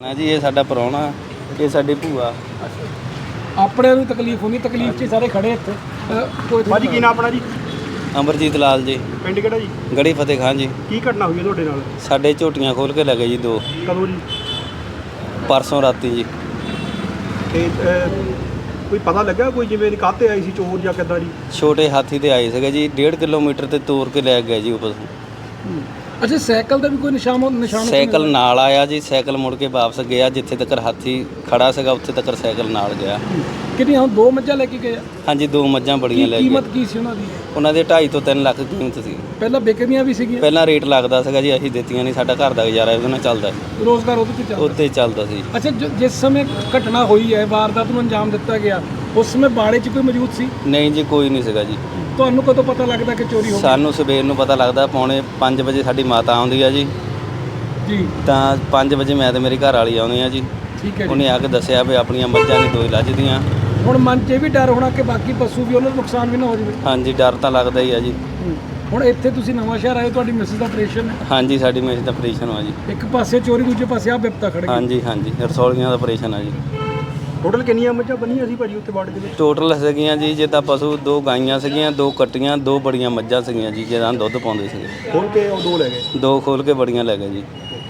ਨਾ ਜੀ, ਇਹ ਸਾਡਾ ਪ੍ਰਾਹੁਣਾ, ਇਹ ਸਾਡੀ ਭੂਆ। ਆਪਣੇ ਨੂੰ ਤਕਲੀਫ ਹੁੰਦੀ, ਤਕਲੀਫ 'ਚ ਸਾਰੇ ਖੜੇ ਇੱਥੇ। ਕੋਈ ਭਾਜੀ ਕੀ ਨਾਮ ਆਪਣਾ ਜੀ? ਅਮਰਜੀਤ ਲਾਲ ਜੀ, ਪਿੰਡ ਕਿਹੜਾ ਜੀ? ਗੜੀ ਫਤਿਹ ਖਾਨ ਜੀ। ਕੀ ਘਟਨਾ ਹੋਈ ਹੈ ਤੁਹਾਡੇ ਨਾਲ? ਸਾਡੇ ਝੋਟੀਆਂ ਖੋਲ ਕੇ ਲੈ ਗਏ ਜੀ 2 ਕਦੋਂ ਜੀ? ਪਰਸੋਂ ਰਾਤੀ ਜੀ। ਤੇ ਕੋਈ ਪਤਾ ਲੱਗਾ ਕੋਈ ਜਿਵੇਂ ਕਾਹਤੇ ਆਈ ਸੀ ਚੋਰ ਜਾਂ ਕਿੱਦਾਂ ਜੀ? ਛੋਟੇ ਹਾਥੀ ਤੇ ਆਏ ਸੀਗੇ ਜੀ, 1.5 ਕਿਲੋਮੀਟਰ ਤੇ ਤੋਰ ਕੇ ਲੈ ਗਏ ਜੀ ਉੱਪਰ। ਅੱਛਾ, ਸਾਈਕਲ ਦਾ ਵੀ ਕੋਈ ਨਿਸ਼ਾਨ? ਸਾਈਕਲ ਨਾਲ ਆਇਆ ਜੀ, ਸਾਈਕਲ ਮੁੜ ਕੇ ਵਾਪਸ ਗਿਆ। ਜਿੱਥੇ ਤੱਕ ਹਾਥੀ ਖੜਾ ਸੀਗਾ ਉੱਥੇ ਤੱਕ ਸਾਈਕਲ ਨਾਲ ਗਿਆ। ਕਿੰਨੀਆਂ? 2 ਮੱਝਾਂ ਲੈ ਕੇ ਗਏ ਆ? ਹਾਂਜੀ, 2 ਮੱਝਾਂ ਬੜੀਆਂ ਲੈ ਗਏ। ਕੀਮਤ ਕੀ ਸੀ ਉਹਨਾਂ ਦੀ? ਉਹਨਾਂ ਦੇ 2.5 ਤੋਂ 3 ਲੱਖ ਕੀਮਤ ਸੀ। ਪਹਿਲਾਂ ਵਿਕਦੀਆਂ ਵੀ ਸੀਗੀਆਂ? ਪਹਿਲਾਂ ਰੇਟ ਲੱਗਦਾ ਸੀਗਾ ਜੀ, ਅਸੀਂ ਦਿੱਤੀਆਂ ਨਹੀਂ। ਸਾਡਾ ਘਰ ਦਾ ਗੁਜ਼ਾਰਾ ਉਹਦੇ ਨਾਲ ਚੱਲਦਾ, ਰੋਜ਼ਗਾਰ ਉਹਦੇ ਤੇ ਚੱਲਦਾ? ਉੱਤੇ ਚੱਲਦਾ ਸੀ। ਅੱਛਾ, ਜਿਸ ਸਮੇਂ ਘਟਨਾ ਹੋਈ ਹੈ, ਵਾਰਦਾਤ ਨੂੰ ਅੰਜਾਮ ਦਿੱਤਾ ਗਿਆ, ਉਸ ਸਮੇਂ ਬਾੜੇ 'ਚ ਕੋਈ ਮੌਜੂਦ ਸੀ? ਨਹੀਂ ਜੀ, ਕੋਈ ਨਹੀਂ ਸੀਗਾ ਜੀ। ਤੁਹਾਨੂੰ ਕਦੋਂ ਪਤਾ ਲੱਗਦਾ ਕਿ ਚੋਰੀ ਹੋ ਗਈ? ਸਾਨੂੰ ਸਵੇਰ ਨੂੰ ਪਤਾ ਲੱਗਦਾ, ਪੌਣੇ 5 ਵਜੇ ਸਾਡੀ ਮਾਤਾ ਆਉਂਦੀ ਆ ਜੀ। ਜੀ। ਤਾਂ 5 ਵਜੇ ਮੈਂ ਤੇ ਮੇਰੀ ਘਰ ਵਾਲੀ ਆਉਂਦੇ ਆ ਜੀ। ਠੀਕ ਹੈ ਜੀ। ਉਹਨੇ ਆ ਕੇ ਦੱਸਿਆ ਵੀ ਆਪਣੀਆਂ ਮੱਝਾਂ ਨਹੀਂ 2 ਲੱਜਦੀਆਂ। ਹੁਣ ਮਨ 'ਚ ਇਹ ਵੀ ਡਰ ਹੋਣਾ ਕਿ ਬਾਕੀ ਪਸ਼ੂ ਵੀ ਉਹਨਾਂ ਨੂੰ ਨੁਕਸਾਨ ਵੀ ਨਾ ਹੋ ਜਾਵੇ? ਹਾਂਜੀ, ਡਰ ਤਾਂ ਲੱਗਦਾ ਹੀ ਆ ਜੀ। ਹੁਣ ਇੱਥੇ ਤੁਸੀਂ ਨਵਾਂ ਸ਼ਹਿਰ ਆਏ, ਤੁਹਾਡੀ ਮਿਸਿਸ ਦਾ ਆਪਰੇਸ਼ਨ ਹੈ? ਹਾਂਜੀ, ਸਾਡੀ ਮੇਰੀ ਦਾ ਆਪਰੇਸ਼ਨ ਹੋਇਆ ਜੀ। ਇੱਕ ਪਾਸੇ ਚੋਰੀ, ਦੂਜੇ ਪਾਸੇ ਆ ਬਿਪਤਾ ਖੜ ਗਈ। ਹਾਂਜੀ ਹਾਂਜੀ, ਰਸੌਲੀਆਂ ਦਾ ਆਪਰੇਸ਼ਨ ਆ ਜੀ। ਟੋਟਲ ਕਿੰਨੀਆਂ ਮੱਝਾਂ ਬੰਨੀਆਂ ਸੀ ਭਾਜੀ ਉੱਥੇ ਬਾੜੇ ਦੇ ਵਿੱਚ? ਟੋਟਲ ਸੀਗੀਆਂ ਜੀ, ਜਿੱਦਾਂ ਪਸ਼ੂ 2 ਗਾਈਆਂ ਸੀਗੀਆਂ, 2 ਕੱਟੀਆਂ, 2 ਬੜੀਆਂ ਮੱਝਾਂ ਸੀਗੀਆਂ ਜੀ, ਜਿਹਨਾਂ ਦੁੱਧ ਪਾਉਂਦੇ ਸੀਗੇ। ਖੋਲ ਕੇ ਉਹ 2 ਲੈ ਗਏ? 2 ਖੋਲ ਕੇ ਬੜੀਆਂ ਲੈ ਗਏ ਜੀ।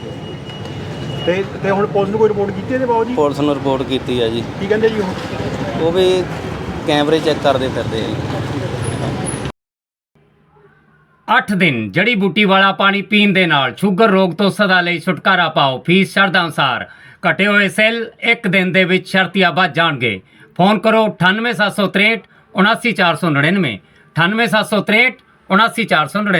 ਤੇ ਹੁਣ ਪੁਲਿਸ ਨੂੰ ਕੋਈ ਰਿਪੋਰਟ ਕੀਤੀ ਇਹਦੇ ਬਾਬੂ ਜੀ? ਪੁਲਿਸ ਨੂੰ ਰਿਪੋਰਟ ਕੀਤੀ ਆ ਜੀ। ਕੀ ਕਹਿੰਦੇ ਜੀ ਉਹ? ਉਹ ਵੀ ਕੈਮਰੇ ਚੈੱਕ ਕਰਦੇ ਫਿਰਦੇ ਆ ਜੀ। 8 ਦਿਨ ਜੜੀ ਬੂਟੀ ਵਾਲਾ ਪਾਣੀ ਪੀਣ ਦੇ ਨਾਲ ਸ਼ੂਗਰ ਰੋਗ ਤੋਂ ਸਦਾ ਲਈ ਛੁਟਕਾਰਾ ਪਾਓ। ਫੀਸ ਸ਼ਰਤਾਂ ਅਨੁਸਾਰ। ਘਟੇ ਹੋਏ ਸੈੱਲ 1 ਦਿਨ ਦੇ ਵਿੱਚ ਸ਼ਰਤੀਆ ਵੱਧ ਜਾਣਗੇ। ਫੋਨ ਕਰੋ 98763 79499, 98763 79499।